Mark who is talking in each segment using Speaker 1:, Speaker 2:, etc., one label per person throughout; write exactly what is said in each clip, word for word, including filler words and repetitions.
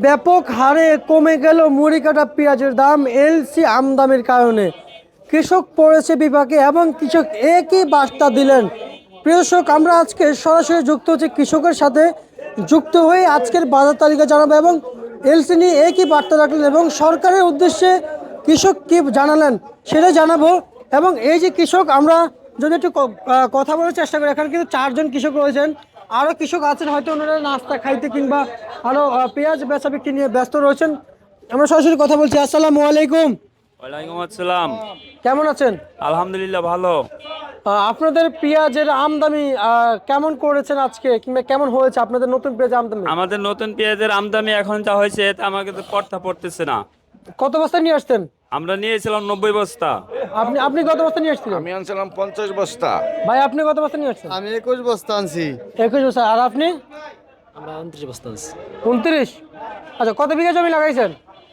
Speaker 1: ব্যাপক হারে কমে গেল মুড়ি কাটা পেঁয়াজের দাম এলসি আমদানির কারণে। কৃষক পড়েছে বিপাকে এবং কৃষক একই বার্তা দিলেন। প্রিয় দর্শক, আমরা আজকে সরাসরি যুক্ত হচ্ছে কৃষকের সাথে, যুক্ত হয়ে আজকের বাজার তালিকা জানাবো এবং এলসি নিয়ে একই বার্তা রাখলেন এবং সরকারের উদ্দেশ্যে কৃষক কি জানালেন সেটা জানাবো। এবং এই যে কৃষক, আমরা যদি একটু ক- আহ, কথা বলার চেষ্টা করি, এখানে কিন্তু চারজন কৃষক রয়েছেন, আরও কৃষক আছেন হয়তো ওনারা নাস্তা খাইতে কিংবা আরও আহ, পেঁয়াজ বেচা বিক্রি নিয়ে ব্যস্ত রয়েছেন। আমরা সরাসরি কথা বলছি। আসসালামু আলাইকুম,
Speaker 2: ওয়ালাইকুম আসসালাম।
Speaker 1: কেমন আছেন?
Speaker 2: আলহামদুলিল্লাহ ভালো।
Speaker 1: আহ, আপনাদের পেঁয়াজের আমদানি আহ, কেমন করেছেন আজকে, কিংবা কেমন হয়েছে আপনাদের নতুন পেঁয়াজ আমদানি?
Speaker 2: আমাদের নতুন পেঁয়াজের আমদানি এখন যা হয়েছে তা আমাকে তো পড়তা পড়তেছে না।
Speaker 1: কত বস্তা নিয়ে আসতেন?
Speaker 2: আমরা নিয়েছিলাম নব্বই বস্তা।
Speaker 1: আপনি আপনি কত বস্তা নিয়ে আসছিলেন?
Speaker 3: আমি আনছিলাম পঞ্চাশ বস্তা।
Speaker 1: ভাই আপনি কত বস্তা নিয়ে আসছেন?
Speaker 3: আমি একুশ বস্তা আনছি।
Speaker 1: একুশ বস্তা। আর আপনি?
Speaker 4: আমরা উনত্রিশ বস্তা আনছি।
Speaker 1: উনত্রিশ। আচ্ছা, কত বিঘা জমি লাগাইছেন?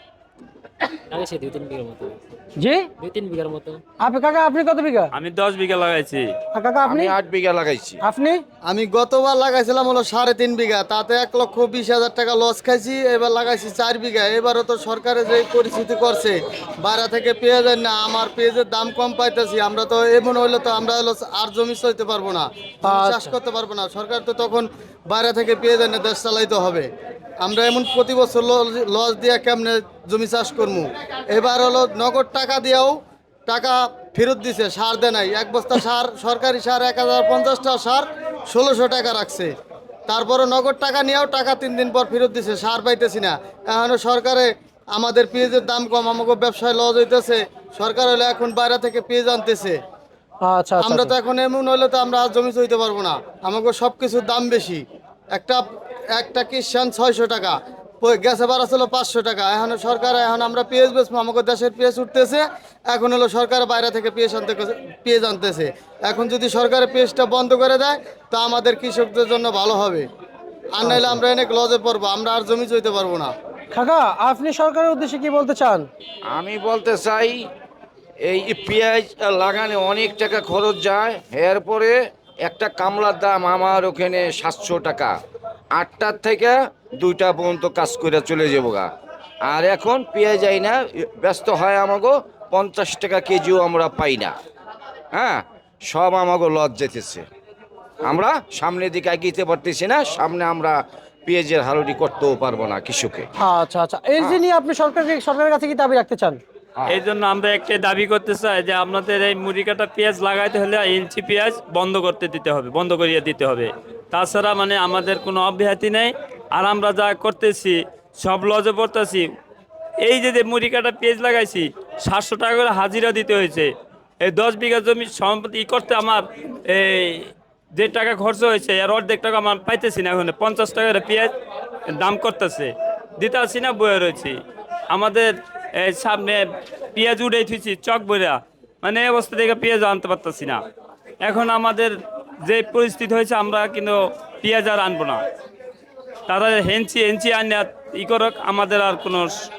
Speaker 4: লাগাইছি দুই তিন বিঘার মতো।
Speaker 1: জি,
Speaker 4: দুই তিন বিঘার মতো।
Speaker 1: আপনি কাকা আপনি কত বিঘা?
Speaker 2: আমি দশ বিঘা লাগাইছি।
Speaker 1: আর কাকা আপনি?
Speaker 3: আমি আট বিঘা লাগাইছি।
Speaker 1: আপনি?
Speaker 3: আমি গতবার লাগাইছিলাম হলো সাড়ে তিন বিঘা, তাতে এক লক্ষ বিশ হাজার টাকা লস খাইছি। এবার লাগাইছি চার বিঘা। এবারও তো সরকারের যে পরিস্থিতি করছে, বাইরে থেকে পেঁয়াজ আনি না, আমার পেঁয়াজের দাম কম পাইতেছি। আমরা তো এমন হইলে তো আমরা হলো আর জমি সইতে পারবো না, জমি চাষ করতে পারবো না। সরকার তো তখন বাইরে থেকে পেঁয়াজ এনে দেশ চালাইতে হবে। আমরা এমন প্রতি বছর লস দিয়ে কেমনে জমি চাষ করবো। এবার হলো নগদ টাকা দিয়েও টাকা ফেরত দিছে, সার দেয় নাই। এক বস্তা সার, সরকারি সার এক হাজার পঞ্চাশটা সার ষোলোশো টাকা রাখছে। তারপরে নগদ টাকা নিয়েও টাকা তিন দিন পর ফেরত দিছে, সার পাইতেছি না। এখনও সরকারে আমাদের পেঁয়াজের দাম কম, আমাকে ব্যবসায় লস হইতেছে। সরকার হলে এখন বাইরে থেকে পেঁয়াজ আনতেছে।
Speaker 1: আচ্ছা আচ্ছা
Speaker 3: আমরা তো এখন এমন হইলে তো আমরা আর জমি চইতে পারবো না, আমাকে সব কিছুর দাম বেশি। একটা একটা কিষান ছয়শো টাকা, প- গ্যাসে ভাড়া ছিল পাঁচশো টাকা। এখন সরকার, এখন আমরা পেঁয়াজ বেচবো, আমাকে দেশের পেঁয়াজ উঠতেছে। এখন হলো সরকার বাইরে থেকে পেঁয়াজ আনতে পেঁয়াজ আনতেছে। এখন যদি সরকারের পেঁয়াজটা বন্ধ করে দেয় তা আমাদের কৃষকদের জন্য ভালো হবে। আর নাহলে আমরা অনেক লজে পড়বো, আমরা আর জমি চইতে পারবো না।
Speaker 1: কাকা, আপনি সরকারের উদ্দেশ্যে কি বলতে চান?
Speaker 5: আমি বলতে চাই এই পেঁয়াজ লাগানে অনেক টাকা খরচ যায়। এরপরে একটা কামলার দাম আমার ওখানে সাতশো টাকা, আটটার থেকে দুইটা পর্যন্ত কাজ করে চলে যাবো গা। আর এখন পেঁয়াজ যাই না, ব্যস্ত হয় আমাগো পঞ্চাশ টাকা কেজিও আমরা পাই না। হ্যাঁ, সব আমাগো লজ যেতেছে। আমরা সামনের দিকে এগিয়ে পারতেছি না, সামনে আমরা পেঁয়াজের হালুটি করতেও পারবো না কৃষকে।
Speaker 1: আচ্ছা আচ্ছা, এলসি নিয়ে আপনি সরকারকে সরকারের কাছে কি দাবি রাখতে চান?
Speaker 2: এই জন্য আমরা একটা দাবি করতে চাই যে আপনাদের এই মুড়ি কাটা পেঁয়াজ লাগাইতে হলে ইঞ্চি পেঁয়াজ বন্ধ করতে দিতে হবে, বন্ধ করিয়ে দিতে হবে। তাছাড়া মানে আমাদের কোনো অব্যাহতি নেই। আর আমরা যা করতেছি সব লজে পড়তেছি। এই যে যে মুড়ি কাটা পেঁয়াজ লাগাইছি, সাতশো টাকা করে হাজিরা দিতে হয়েছে। এই দশ বিঘা জমি সম্পত্তি ই করতে আমার এই যে টাকা খরচ হয়েছে আর অর্ধেক টাকা আমার পাইতেছি না। এখন পঞ্চাশ টাকার পেঁয়াজ দাম করতেছে, দিতে আসি না, বয়ে রয়েছি। আমাদের এই সামনে পেঁয়াজ উড়াই থুইছি চক বইরা, মানে এই অবস্থা থেকে পেঁয়াজ আনতে পারতেছি না। এখন আমাদের যে পরিস্থিতি হয়েছে, আমরা কিন্তু পেঁয়াজ আর আনবো না। তারা হেঞ্চি হেঞ্চি আনে ই করক, আমাদের আর কোনো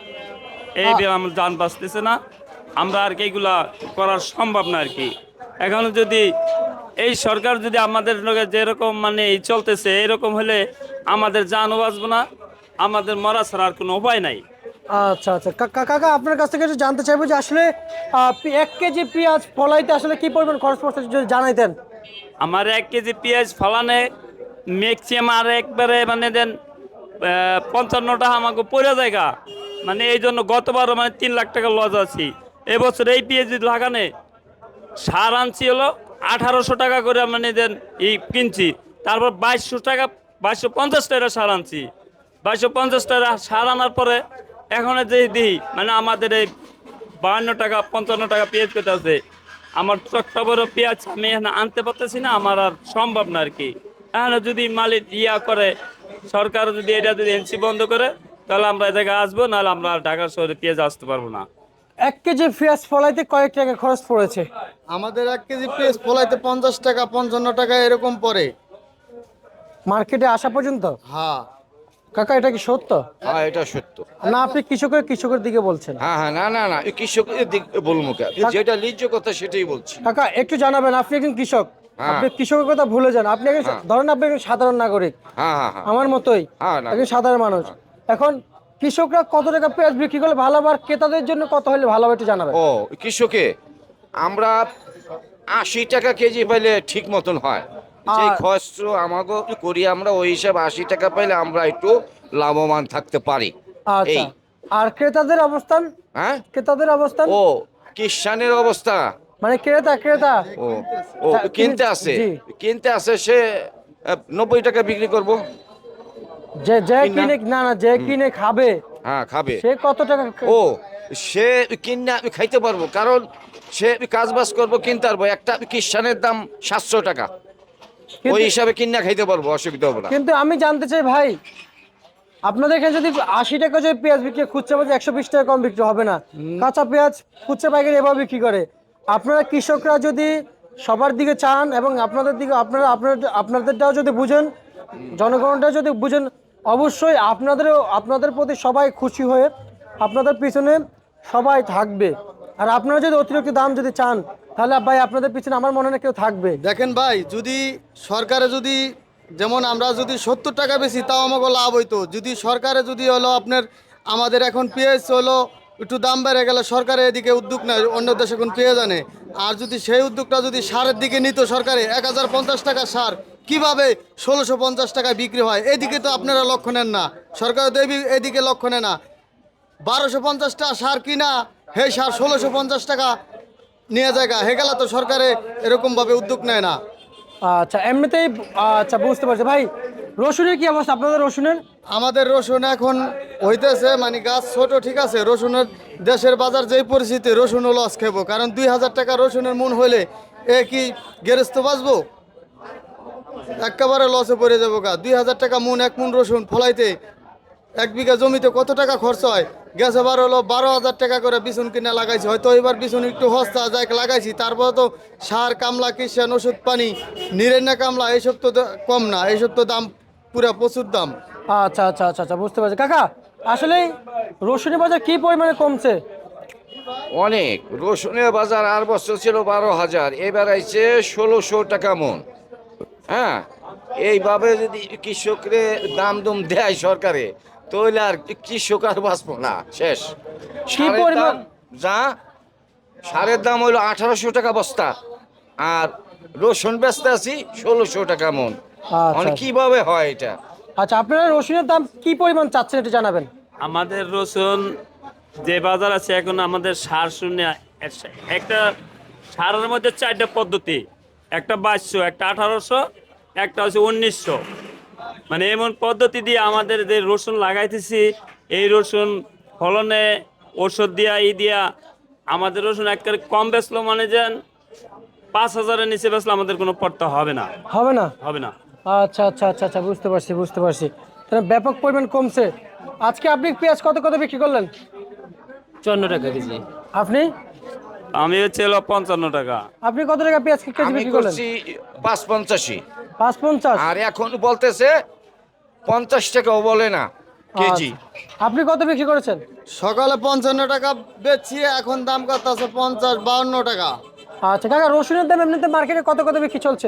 Speaker 2: এই আমার যান বাঁচতেছে না। আমরা আর কি এইগুলা করার সম্ভব না আর কি। এখন যদি এই সরকার যদি আমাদের লগে যেরকম মানে এই চলতেছে এরকম হলে আমাদের জানও বাঁচবো না, আমাদের মরা ছাড়া আর কোনো উপায় নাই।
Speaker 1: আচ্ছা আচ্ছা, কাকা কাকা আপনার কাছ থেকে একটু জানতে চাইবো যে আসলে আহ, পে- এক কেজি পেঁয়াজ ফলাইতে আসলে কি পরিমাণ খরচ পড়ছে যদি জানাইতেন।
Speaker 2: আমার এক কেজি পেঁয়াজ ফলানে ম্যাক্সিমাম আর একবারে মানে দেন আহ, পঞ্চান্ন টাকা আমাকে পড়ে জায়গা। মানে এই জন্য গতবারও মানে তিন লাখ টাকা লস আছি। এবছর এই পেঁয়াজ লাগানে সার আনছি হলো আঠারোশো টাকা করে মানে দেন এই কিনছি। তারপর বাইশশো টাকা বাইশশো পঞ্চাশ টাকা সার আনছি। বাইশশো পঞ্চাশ টাকা সার আনার পরে এখন যে দিই মানে আমাদের এই বাহান্ন টাকা পঞ্চান্ন টাকা পেঁয়াজ পেতে আছে। আমার চট্টা বড় পেঁয়াজ আমি এখানে আনতে পারতেছি না, আমার আর সম্ভব না আর কি। এখানে যদি মালিক ইয়া করে, সরকার যদি এটা যদি এনসি বন্ধ করে, তাহলে আমরা এ জায়গায় আসবো, নাহলে আমরা আর ঢাকা শহরে পেঁয়াজ আসতে পারবো না।
Speaker 1: এক কেজি পেঁয়াজ ফলাইতে কয়েক টাকা খরচ পড়েছে?
Speaker 3: আমাদের এক কেজি পেঁয়াজ ফলাইতে পঞ্চাশ টাকা পঞ্চান্ন টাকা এরকম পড়ে।
Speaker 1: মার্কেটে আসা পর্যন্ত?
Speaker 3: হ্যাঁ
Speaker 1: কাকা, এটা কি সত্য?
Speaker 5: হ্যাঁ, এটা সত্য।
Speaker 1: না আপনি কৃষকের কৃষকের দিকে বলছেন?
Speaker 5: হ্যাঁ হ্যাঁ, না না না, এই কৃষকের দিক বলবো কে? যেটা লিজ্জ কথা সেটাই বলছি।
Speaker 1: কাকা একটু জানাবেন, আপনি একজন কৃষক,
Speaker 5: হ্যাঁ।
Speaker 1: আপনি কৃষকের কথা ভুলে যান। আপনি একজন,
Speaker 5: হ্যাঁ।
Speaker 1: ধরেন আপনি একজন সাধারণ নাগরিক,
Speaker 5: হ্যাঁ হ্যাঁ হ্যাঁ
Speaker 1: আমার মতোই
Speaker 5: হ্যাঁ, না।
Speaker 1: একজন সাধারণ মানুষ। এখন কৃষকরা কত টাকা পেঁয়াজ বিক্রি করলে ভালো হবে আর ক্রেতাদের জন্য কত হলে ভালো হবে একটু জানাবেন।
Speaker 5: ও কৃষকে আমরা আশি টাকা কেজি পাইলে ঠিক মতন হয়, যে
Speaker 1: আর-
Speaker 5: খরচ আমাকে করি আমরা ওই হিসাবে আশি টাকা পাইলে আমরা একটু লাভবান থাকতে পারি।
Speaker 1: আচ্ছা,
Speaker 5: এই
Speaker 1: আর ক্রেতাদের অবস্থান,
Speaker 5: হ্যাঁ
Speaker 1: ক্রেতাদের অবস্থান
Speaker 5: ও কিষানের অবস্থা,
Speaker 1: মানে ক্রেতা ক্রেতা
Speaker 5: ও ও
Speaker 1: তা
Speaker 5: কিনতে
Speaker 1: তিনি-
Speaker 5: আসে
Speaker 1: জি।
Speaker 5: কিনতে আসে সে আহ, নব্বই টাকা বিক্রি করব।
Speaker 1: যে যে
Speaker 5: কিনা?
Speaker 1: কিনে না না যে কিনে খাবে
Speaker 5: হ্যাঁ খাবে,
Speaker 1: সে কত টাকা
Speaker 5: ও সে কিনে খাইতে পারবো, কারণ সে কাজ বাজ করবো কিনতে পারবো। একটা কিষানের দাম সাতশো টাকা,
Speaker 1: কিন্তু-
Speaker 5: ওই হিসাবে কিনা খাইতে পারবো, অসুবিধা হবে না।
Speaker 1: কিন্তু আমি জানতে চাই ভাই, আপনাদের এখানে যদি আশি টাকা যদি পেঁয়াজ বিক্রি হয়, খুচরা বাজারে একশো বিশ টাকা কম বিক্রি হবে না। কাঁচা পেঁয়াজ খুচরা পাইকারি এভাবে বিক্রি করে। আপনারা কৃষকরা যদি সবার দিকে চান এবং আপনাদের দিকে আপনারা আপনার আপনাদেরটাও যদি বুঝেন, জনগণটাও যদি বুঝেন, অবশ্যই আপনাদেরও আপনাদের প্রতি সবাই খুশি হয়ে আপনাদের পিছনে সবাই থাকবে। আর আপনারা যদি অতিরিক্ত দাম যদি চান, তাহলে ভাই আপনাদের পিছনে আমার মনে হয় না কেউ থাকবে।
Speaker 3: দেখেন ভাই, যদি সরকারে যদি যেমন আমরা যদি সত্তর টাকা বেশি তাও আমাকে লাভ হইতো। যদি সরকারে যদি হলো আপনার আমাদের এখন পেঁয়াজ হলো একটু দাম বেড়ে গেলে সরকারে এদিকে উদ্যোগ নেয়, অন্য দেশে এখন পেঁয়াজ আনে। আর যদি সেই উদ্যোগটা যদি সারের দিকে নিত সরকারে, এক হাজার পঞ্চাশ টাকা সার কিভাবে ষোলোশো পঞ্চাশ টাকায় বিক্রি হয়, এদিকে তো আপনারা লক্ষ্য নেন না, সরকার তো এদি- এদিকে লক্ষ্য নেয় না। বারোশো পঞ্চাশ টাকা সার কিনা হে সার ষোলোশো পঞ্চাশ টাকা নিয়ে জায়গা হে গেলা তো সরকারে এরকমভাবে উদ্যোগ নেয় না।
Speaker 1: আচ্ছা, এমনিতেই আচ্ছা বুঝতে পারছি ভাই। রসুনের কি অবস্থা আপনাদের রসুনের?
Speaker 3: আমাদের রসুন এখন হইতেছে মানে গাছ ছোট, ঠিক আছে, রসুনের দেশের বাজার যেই পরিস্থিতি, রসুনও লস খাবো, কারণ দুই হাজার টাকা রসুনের মন হইলে এ কি গেরস্ত বাঁচবো? একেবারে লসে পড়ে যাবো গা। দুই হাজার টাকা মন এক মন রসুন ফলাইতে এক বিঘা জমিতে কত টাকা খরচ হয়? গেছে বার হলো বারো হাজার টাকা করে বিছুন কিনে লাগাইছি, হয়তো এবার বিছুন একটু সস্তা যাই লাগাইছি, তারপরে তো সার কামলা কিষান ওষুধ পানি নিরেন্না কামলা এইসব তো দা- কম না, এইসব তো দাম পুরা প্রচুর দাম।
Speaker 1: আচ্ছা আচ্ছা আচ্ছা আচ্ছা বুঝতে পারছি কাকা। আসলে রসুনের বাজার কি পরিমাণে কমছে?
Speaker 5: অনেক, রসুনের বাজার আর বছর ছিল বারো হাজার, এবার আইছে ষোলোশো টাকা মন। হ্যাঁ, এইভাবে যদি কৃষকরে দাম দুম দেয় সরকারে, তাহলে আর কৃষক আর বাঁচবো না, শেষ। সারের
Speaker 1: পরিমাণ?
Speaker 5: দাম যা, সারের দাম হইলো আঠারোশো টাকা বস্তা, আর রসুন বেচতে আছি ষোলোশো টাকা মন।
Speaker 1: আচ্ছা।
Speaker 5: মানে কিভাবে হয় এটা?
Speaker 1: আচ্ছা, আপনারা রসুনের দাম কি পরিমাণ চাচ্ছেন একটু জানাবেন।
Speaker 2: আমাদের রসুন যে বাজার আছে এখন, আমাদের সার শূন্য একটা সারের মধ্যে চারটা পদ্ধতি, একটা বাইশশো, একটা আঠারোশো, একটা হচ্ছে উনিশশো। মানে এমন পদ্ধতি দিয়ে আমাদের যে রসুন লাগাইতেছি, এই রসুন ফলনে ওষুধ দিয়া ই দিয়া আমাদের রসুন একবারে কম বেচলো, মানে যেন পাঁচ হাজারের নিচে বেচলে আমাদের কোনো পড়তা হবে না,
Speaker 1: হবে না?
Speaker 2: হবে না।
Speaker 1: আচ্ছা আচ্ছা আচ্ছা আচ্ছা বুঝতে পারছি বুঝতে পারছি। তাহলে ব্যাপক পরিমাণ কমছে। আজকে আপনি পেঁয়াজ কত কত বিক্রি করলেন?
Speaker 4: চুয়ান্ন টাকা কেজি।
Speaker 1: আপনি
Speaker 2: আমি হচ্ছে হলো পঞ্চান্ন টাকা।
Speaker 1: আপনি কত টাকা পেঁয়াজ কেজি
Speaker 5: আমি
Speaker 1: বিক্রি করলেন?
Speaker 5: করছি পাঁচ পঞ্চাশি,
Speaker 1: পাঁচ পঞ্চাশ।
Speaker 5: আর এখন বলতেছে পঞ্চাশ টাকাও বলে না কেজি।
Speaker 1: আচ্ছা। আপনি কত বিক্রি করেছেন?
Speaker 3: সকালে পঞ্চান্ন টাকা বেচছি, এখন দাম কত আছে পঞ্চাশ বাউন্ন টাকা।
Speaker 1: আচ্ছা কাকা, রসুনের দাম এমনিতে মার্কেটে কত কত বিক্রি চলছে?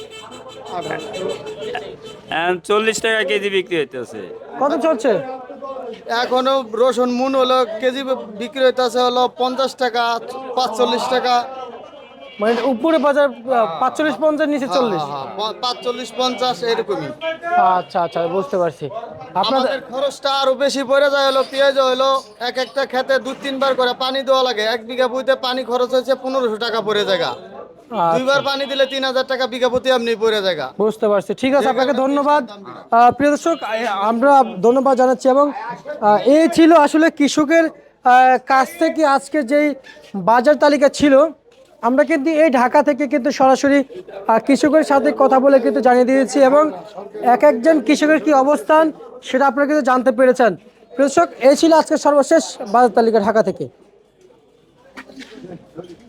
Speaker 2: এখন চল্লিশ টাকা কেজি বিক্রি হইতেছে।
Speaker 1: কত চলছে?
Speaker 3: এখনো রসুন মুন হলো কেজি বিক্রি হইতেছে হলো পঞ্চাশ টাকা পাঁচচল্লিশ টাকা।
Speaker 1: মানে উপরে বাজার পাঁচচল্লিশ পঞ্চাশ, নিচে চল্লিশ।
Speaker 3: হ্যাঁ, হ্যাঁ, পাঁচচল্লিশ পঞ্চাশ এরকমই।
Speaker 1: আচ্ছা আচ্ছা বুঝতে পারছি। আপনাদের
Speaker 3: আমাদের খরচটা আরো বেশি পড়ে যায়, হলো পেঁয়াজ হলো এক একটা খেতে দু তিনবার করে পানি দেওয়া লাগে। এক বিঘা বইতে পানি খরচ হয়েছে পনেরোশো টাকা পড়ে জায়গা,
Speaker 1: আচ্ছা,
Speaker 3: দুইবার পানি দিলে তিন হাজার টাকা বিঘা প্রতি আপনি পড়ে জায়গা।
Speaker 1: বুঝতে পারছি। ঠিক আছে, আপনাকে ধন্যবাদ। আহ, প্রিয় দর্শক, আ- আমরা ধন্যবাদ জানাচ্ছি। এবং আহ, এই ছিল আসলে কৃষকের আহ, কাছ থেকে আজকে যেই বাজার তালিকা ছিল, আমরা কিন্তু এই ঢাকা থেকে কিন্তু সরাসরি আহ, কৃষকের সাথে কথা বলে কিন্তু জানিয়ে দিয়েছি, এবং এক একজন কৃষকের কি অবস্থান সেটা আপনারা কিন্তু জানতে পেরেছেন। প্রিয় দর্শক, এই ছিল আজকের সর্বশেষ বাজার তালিকা ঢাকা থেকে।